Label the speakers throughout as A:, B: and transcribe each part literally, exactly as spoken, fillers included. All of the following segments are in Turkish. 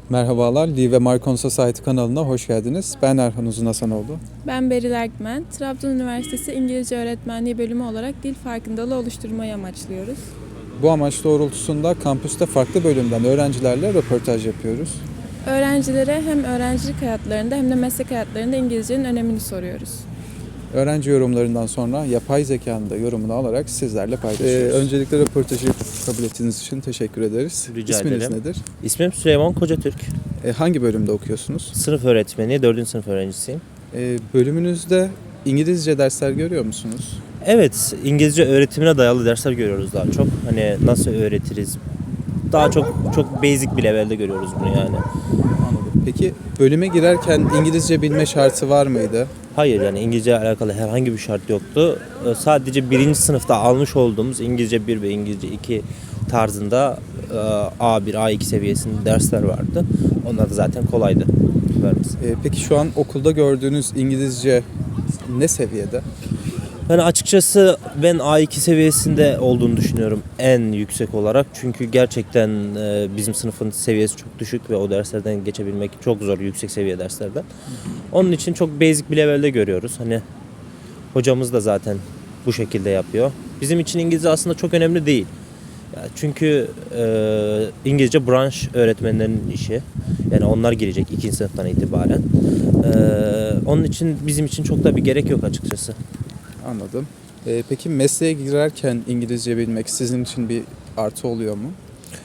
A: Merhabalar, Lee ve Marcon Society kanalına hoş geldiniz. Ben Erhan Uzun Hasanoğlu.
B: Ben Beril Erkmen. Trabzon Üniversitesi İngilizce Öğretmenliği bölümü olarak dil farkındalığı oluşturmayı amaçlıyoruz.
A: Bu amaç doğrultusunda kampüste farklı bölümden öğrencilerle röportaj yapıyoruz.
B: Öğrencilere hem öğrencilik hayatlarında hem de meslek hayatlarında İngilizcenin önemini soruyoruz.
A: Öğrenci yorumlarından sonra yapay zekanın da yorumunu alarak sizlerle paylaşıyoruz. Ee, öncelikle röportajı kabul ettiğiniz için teşekkür ederiz.
C: Rica
A: İsminiz
C: ederim.
A: nedir?
C: İsmim Süleyman Kocatürk.
A: Ee, hangi bölümde okuyorsunuz?
C: Sınıf öğretmeni, dördüncü sınıf öğrencisiyim.
A: Ee, bölümünüzde İngilizce dersler görüyor musunuz?
C: Evet, İngilizce öğretimine dayalı dersler görüyoruz daha çok. Hani nasıl öğretiriz? Daha çok çok basic bir levelde görüyoruz bunu yani.
A: Anladım. Peki bölüme girerken İngilizce bilme şartı var mıydı?
C: Hayır, yani İngilizce ile alakalı herhangi bir şart yoktu. Ee, Sadece birinci sınıfta almış olduğumuz İngilizce bir ve İngilizce iki tarzında e, A bir, A iki seviyesinde dersler vardı. Onlar da zaten kolaydı vermesi.
A: Ee, peki şu an okulda gördüğünüz İngilizce ne seviyede?
C: Ben açıkçası ben A iki seviyesinde olduğunu düşünüyorum en yüksek olarak. Çünkü gerçekten e, bizim sınıfın seviyesi çok düşük ve o derslerden geçebilmek çok zor, yüksek seviye derslerden. Onun için çok basic bir levelde görüyoruz. Hani hocamız da zaten bu şekilde yapıyor. Bizim için İngilizce aslında çok önemli değil. Ya çünkü e, İngilizce branş öğretmenlerinin işi. Yani onlar girecek ikinci sınıftan itibaren. E, onun için bizim için çok da bir gerek yok açıkçası.
A: Anladım. Ee, peki mesleğe girerken İngilizce bilmek sizin için bir artı oluyor mu?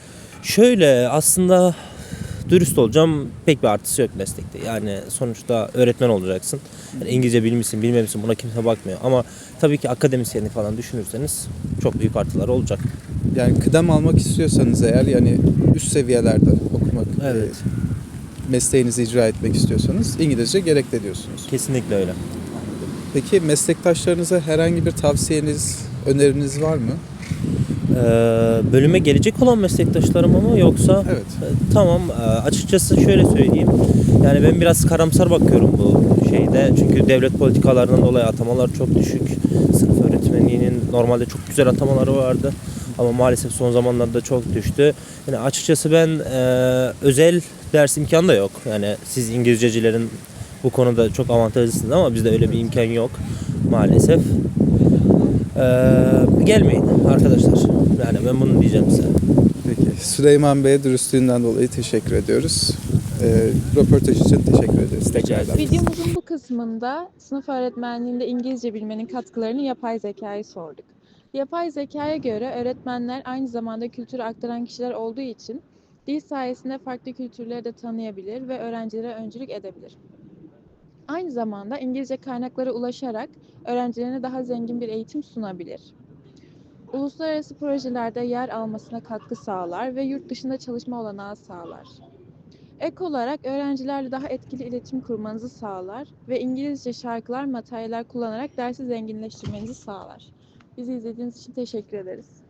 C: Şöyle aslında dürüst olacağım, pek bir artısı yok meslekte. Yani sonuçta öğretmen olacaksın. Yani İngilizce bilmişsin bilmemişsin buna kimse bakmıyor. Ama tabii ki akademisyenlik falan düşünürseniz çok büyük artıları olacak.
A: Yani kıdem almak istiyorsanız eğer yani üst seviyelerde okumak,
C: Evet.
A: e, mesleğinizi icra etmek istiyorsanız İngilizce gerekli diyorsunuz.
C: Kesinlikle öyle.
A: Peki meslektaşlarınıza herhangi bir tavsiyeniz, öneriniz var mı?
C: Ee, bölüme gelecek olan meslektaşlarım ama yoksa
A: Evet.
C: e, tamam e, açıkçası şöyle söyleyeyim. Yani ben biraz karamsar bakıyorum bu şeyde. Çünkü devlet politikalarından dolayı atamalar çok düşük. Sınıf öğretmenliğinin normalde çok güzel atamaları vardı. Ama maalesef son zamanlarda çok düştü. Yani açıkçası ben e, özel ders imkanı da yok. Yani siz İngilizcecilerin bu konuda çok avantajlısınız ama bizde öyle bir imkan yok maalesef. Ee, gelmeyin arkadaşlar. Yani ben bunu diyeceğim size.
A: Peki. Süleyman Bey'e dürüstlüğünden dolayı teşekkür ediyoruz. E, röportaj için teşekkür ederiz.
C: Rica
A: Tekrardan.
C: ederim.
B: Videomuzun bu kısmında sınıf öğretmenliğinde İngilizce bilmenin katkılarını yapay zekaya sorduk. Yapay zekaya göre öğretmenler aynı zamanda kültürü aktaran kişiler olduğu için dil sayesinde farklı kültürleri de tanıyabilir ve öğrencilere öncülük edebilir. Aynı zamanda İngilizce kaynaklara ulaşarak öğrencilerine daha zengin bir eğitim sunabilir. Uluslararası projelerde yer almasına katkı sağlar ve yurt dışında çalışma olanağı sağlar. Ek olarak öğrencilerle daha etkili iletişim kurmanızı sağlar ve İngilizce şarkılar, materyaller kullanarak dersi zenginleştirmenizi sağlar. Bizi izlediğiniz için teşekkür ederiz.